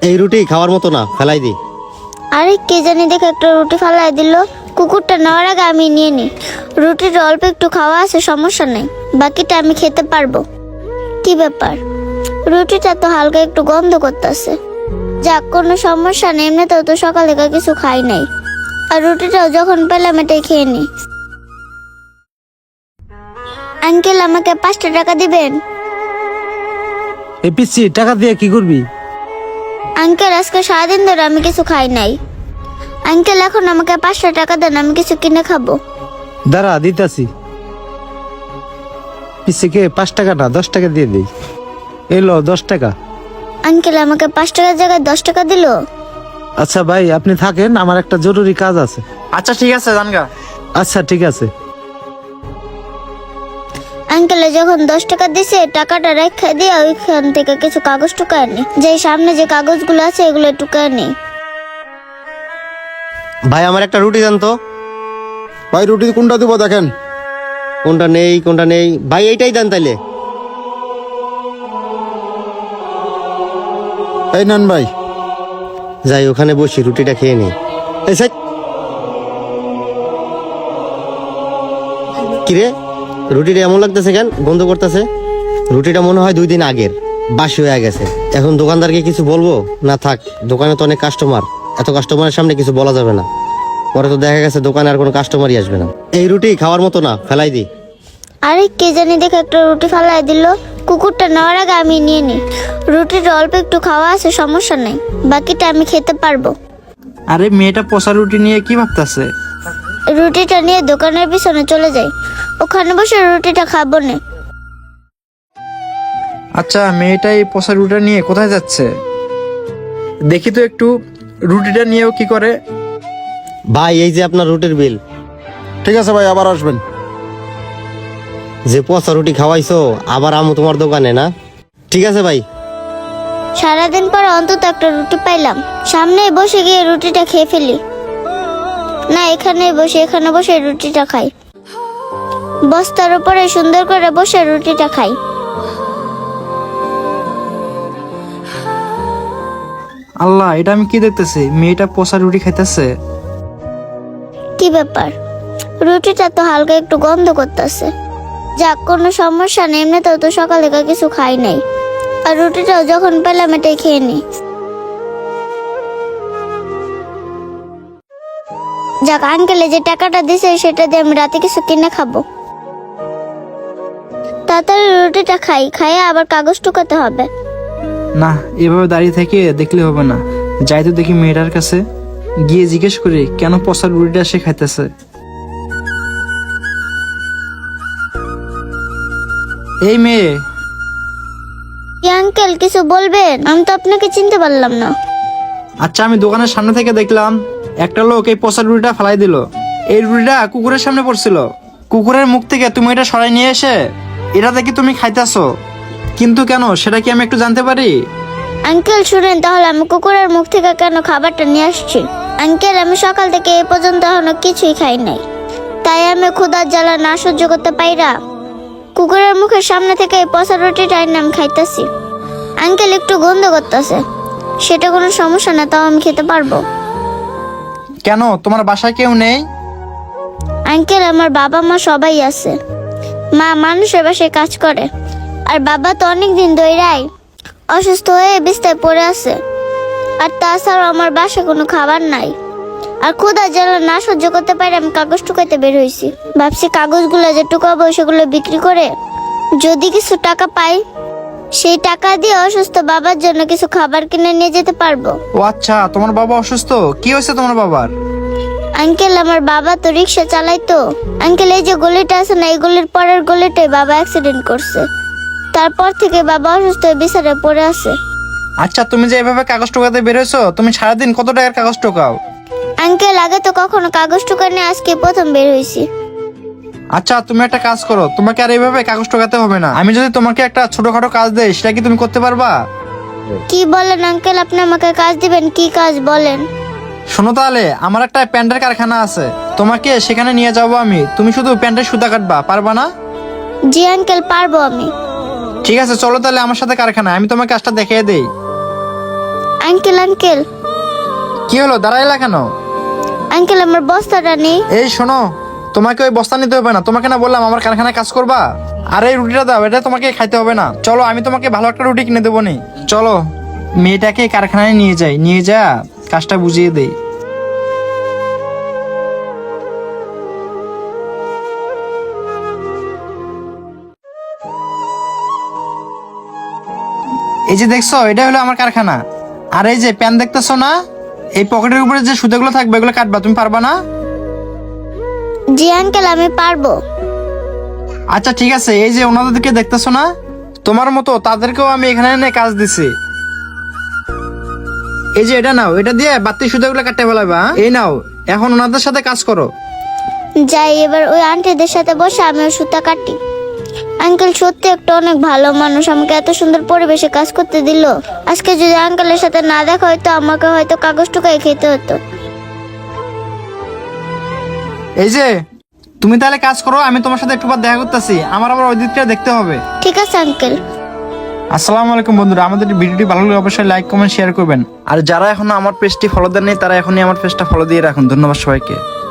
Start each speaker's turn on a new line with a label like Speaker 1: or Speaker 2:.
Speaker 1: এই রুটি খাওয়ার মতো না, ফেলাই দি।
Speaker 2: আরে কে জানি দেখে একটা রুটি ফালাই দিল। কুকুরটা নেওয়ার আগে আমি নিয়ে নিই। রুটির অল্প একটু খাওয়া আছে, সমস্যা নেই, বাকিটা আমি খেতে পারবো। কি ব্যাপার, রুটিটা তো হালকা একটু গন্ধ করতেছে। যাক, কোনো সমস্যা নেই, এমনিতেও তো সকাল থেকে কিছু খাই নাই। আর রুটিটাও যখন পেলাম এটাই খেয়ে নিই। আঙ্কেল, আমাকে 5টা টাকা দিবেন?
Speaker 3: এই পিচ্ছি টাকা দিয়ে কি করবি?
Speaker 2: আঙ্কেল, আজকে সারাদিন ধরে আমি কিছু খাই নাই। আঙ্কেল, এখন আমাকে 5টা টাকা দেন, আমি কিছু কিনে খাবো।
Speaker 3: দাঁড়া দিতাছি। পিচ্ছিকে 5 টাকা না 10 টাকা দিয়ে দিই। এলো 10 টাকা।
Speaker 2: আঙ্কেল, আমাকে 5 টাকার জায়গায় 10 টাকা দিল।
Speaker 3: আচ্ছা ভাই, আপনি থাকেন, আমার একটা জরুরি কাজ আছে।
Speaker 4: আচ্ছা ঠিক আছে জানগা।
Speaker 3: আচ্ছা ঠিক আছে।
Speaker 2: আঙ্কেলে যখন 10 টাকা দিছে, টাকাটা রেখে দিয়ে ওইখান থেকে কিছু কাগজ টুকায় নি। যে সামনে যে কাগজগুলো আছে এগুলো টুকায় নি।
Speaker 1: ভাই আমার একটা রুটি দেন তো।
Speaker 5: ভাই রুটি কোনটা দিব দেখেন।
Speaker 1: কোনটা নেই ভাই, এইটাই দেন তাইলে।
Speaker 5: এই নেন ভাই।
Speaker 1: যাই ওখানে বসি, রুটিটা খেয়ে নেই। এই সাইড। কিরে, রুটিটা এমন লাগতেছে কেন, গন্ধ করতেছে? রুটিটা মনে হয় 2 দিন আগের, বাসি হয়ে গেছে। এখন দোকানদারকে কিছু বলবো না? থাক, দোকানে তো অনেক কাস্টমার, এত কাস্টমারের সামনে কিছু বলা যাবে না। পরে তো দেখা গেছে দোকানে আর কোনো কাস্টমারই আসবে না। এই রুটি খাওয়ার মতো না, ফেলাই দি।
Speaker 2: আরে কে জানি দেখে একটা রুটি ফালাই দিল। কুকুরটা নেওয়ার আগে আমি নিয়ে নিই। রুটির অল্প একটু খাওয়া আছে, সমস্যা নেই, বাকিটা আমি খেতে পারবো।
Speaker 4: আরে মেয়েটা পচা রুটি নিয়ে কি ভাবতেছে?
Speaker 2: রুটিটা নিয়ে দোকানের পিছনে চলে যাই, ওখানে বসে রুটিটা খাবো না।
Speaker 4: আচ্ছা মেয়েটা এই পচা রুটিটা নিয়ে কোথায় যাচ্ছে? দেখি তো একটু রুটিটা নিয়েও কি করে।
Speaker 1: ভাই এই যে আপনার রুটির বিল।
Speaker 5: ঠিক আছে ভাই, আবার আসবেন।
Speaker 1: যে পচা রুটি খাওয়াইছো, আবার আমু তোমার দোকানে না? ঠিক আছে ভাই।
Speaker 2: সারাদিন পর অন্তত একটা রুটি পাইলাম, সামনে বসে গিয়ে রুটিটা খেয়ে ফেলি। না, এখানে বসে রুটিটা খাই। বস্তার উপরে সুন্দর করে বসে রুটিটা খাই।
Speaker 4: আল্লাহ, এটা আমি কি দেখতেছি? মেয়েটা পচা রুটি খাইতেছে।
Speaker 2: কি ব্যাপার, রুটিটা তো হালকা একটু গন্ধ করতেছে। যাক, কোনো সমস্যা নেই, এমনিতেও তো সকাল থেকে কিছু খাই নাই। আর রুটিটাও যখন পেলাম এটাই খেয়ে নিই। যাক, আঙ্কেলে যে টাকাটা দিছে সেটা দিয়ে আমি রাতে কিছু কিনে খাবো। তাড়াতাড়ি রুটিটা খাইয়ে আবার কাগজ টুকাতে হবে।
Speaker 4: না, এভাবে দাঁড়িয়ে থেকে দেখলে হবে না। যাই তো দেখি মেয়েটার কাছে, গিয়ে জিজ্ঞেস করি কেন পচা রুটিটা সে খাইতেছে। এই মেয়ে,
Speaker 2: কি আঙ্কেল, কিছু বলবেন? আমি তো আপনাকে চিনতে পারলাম না।
Speaker 4: আচ্ছা আমি দোকানের সামনে থেকে দেখলাম একটা লোক এই পচা রুটিটা ফেলাই দিল। এই রুটিটা কুকুরের সামনে পড়ছিল। কুকুরের মুখ থেকে তুমি এটা সরাই নিয়ে এসে এটা দেখি তুমি খাইতেছো, কিন্তু কেন সেটা কি আমি একটু জানতে পারি?
Speaker 2: আঙ্কেল শুনেন, তাহলে আমি কুকুরের মুখ থেকে কেন খাবারটা নিয়ে আসছি। আঙ্কেল, আমি সকাল থেকে এই পর্যন্ত এখনো কিছুই খাই নাই, তাই আমি ক্ষুধার জ্বালা না সহ্য করতে পাইরা কুকুরের মুখের সামনে থেকে এই পচা রুটিটা এনে আমি খাইতেছি। আঙ্কেল, একটু গন্ধ করতেছে, সেটা কোনো সমস্যা না, তাও আমি খেতে পারবো।
Speaker 4: কেন তোমার বাসায় কেউ নেই?
Speaker 2: আঙ্কেল, আমার বাবা মা সবাই আছে। মা মানুষের বাসায় কাজ করে, আর বাবা তো অনেকদিন ধরেই অসুস্থ হয়ে বিছানায় পড়ে আছে। আর তাছাড়াও আমার বাসায় কোনো খাবার নাই। আর ক্ষুধা জ্বালা না সহ্য করতে পারে আমি কাগজ টুকাইতে বের হয়েছি। ভাবছি কাগজগুলো যে টুকাবো সেগুলো বিক্রি করে যদি কিছু টাকা পাই, সেই টাকা দিয়ে অসুস্থ বাবার জন্য কিছু খাবার কিনে নিয়ে যেতে পারবো।
Speaker 4: ও আচ্ছা, তোমার বাবা অসুস্থ? কি হয়েছে তোমার বাবার?
Speaker 2: আঙ্কেল, আমার বাবা তো রিক্সা চালাইতো। আঙ্কেল, এই যে গলিটা আছে না, এই গলির পরের গলিটায় বাবা অ্যাক্সিডেন্ট করছে। তারপর থেকে বাবা অসুস্থ হয়ে বিছানায় পড়ে আছে।
Speaker 4: আচ্ছা তুমি যে এভাবে কাগজ টোকাতে বেরোছো, তুমি সারাদিন কত টাকার কাগজ টোকাও?
Speaker 2: আঙ্কেল, আগে তো কখনো কাগজ টুকা নিয়ে আজকে প্রথম বের হয়েছি।
Speaker 4: আচ্ছা তুমি একটা কাজ করো, তোমাকে আর এইভাবে কাগজ টোকাতে হবে না। আমি যদি তোমাকে একটা ছোটখাটো কাজ দেই, সেটা কি তুমি করতে পারবা?
Speaker 2: কি বলেন আঙ্কেল, আপনি আমাকে কাজ দিবেন? কি কাজ বলেন?
Speaker 4: শোনো তাহলে, আমার একটা প্যান্টের কারখানা আছে, তোমাকে সেখানে নিয়ে যাবো আমি। তুমি শুধু প্যান্টের সুতা কাটবা, পারবা না?
Speaker 2: জি আঙ্কেল, পারবো আমি।
Speaker 4: ঠিক আছে চলো তাহলে আমার সাথে কারখানায়, আমি তোমাকে কাজটা দেখিয়ে দেই।
Speaker 2: আঙ্কেল আঙ্কেল
Speaker 4: কি হলো, দাঁড়াইলা কেন?
Speaker 2: আঙ্কেল আমার বস্তাটা নেই।
Speaker 4: এই শোনো, তোমাকে ওই বস্তা নিতে হবে না। তোমাকে না বললাম আমার কারখানায় কাজ করবা? আর এই রুটিটা দাও, এটা তোমাকে খাইতে হবে না। চলো আমি তোমাকে ভালো একটা রুটি কিনে দেবো নি। চলো মেয়েটাকে কারখানায় নিয়ে যাই, নিয়ে যা কাজটা বুঝিয়ে দেই। এই যে দেখছো, এটা হলো আমার কারখানা। আর এই যে প্যান দেখতেছো না, এই পকেটের উপরে যে সুতাগুলো থাকবে এগুলো কাটবা। তুমি পারবা না?
Speaker 2: জি আঙ্কেল আমি পারবো।
Speaker 4: আচ্ছা ঠিক আছে, এই যে ওনাদেরকে দেখতেছো না, তোমার মতো তাদেরকেও আমি এখানে এনে কাজ দিছি। এই যে এটা নাও, এটা দিয়ে বাতি সুতাগুলো কাটতে ফেলাবা। এই নাও, এখন ওনাদের সাথে কাজ করো।
Speaker 2: যাই এবার ওই আন্টিদের সাথে বসে আমিও সুতা কাটি। আঙ্কেল সত্যি একটা অনেক ভালো মানুষ, আমাকে এত সুন্দর পরিবেশে কাজ করতে দিল। আজকে যদি আঙ্কেলের সাথে না দেখা হয়তো আমাকে হয়তো কাগজ টুকাই খেতে হতো।
Speaker 4: এই যে তুমি তাহলে কাজ করো, আমি তোমার সাথে একটু পর দেখা করতেছি। আমার আবার ওই দিকটা দেখতে হবে।
Speaker 2: ঠিক আছে আঙ্কেল।
Speaker 4: আসসালামু আলাইকুম বন্ধুরা, আমাদের ভিডিওটি ভালো লাগলে অবশ্যই লাইক কমেন্ট শেয়ার করবেন। আর যারা এখনো আমার পেজটি ফলো দেননি তারা এখনই আমার পেজটা ফলো দিয়ে রাখুন। ধন্যবাদ সবাইকে।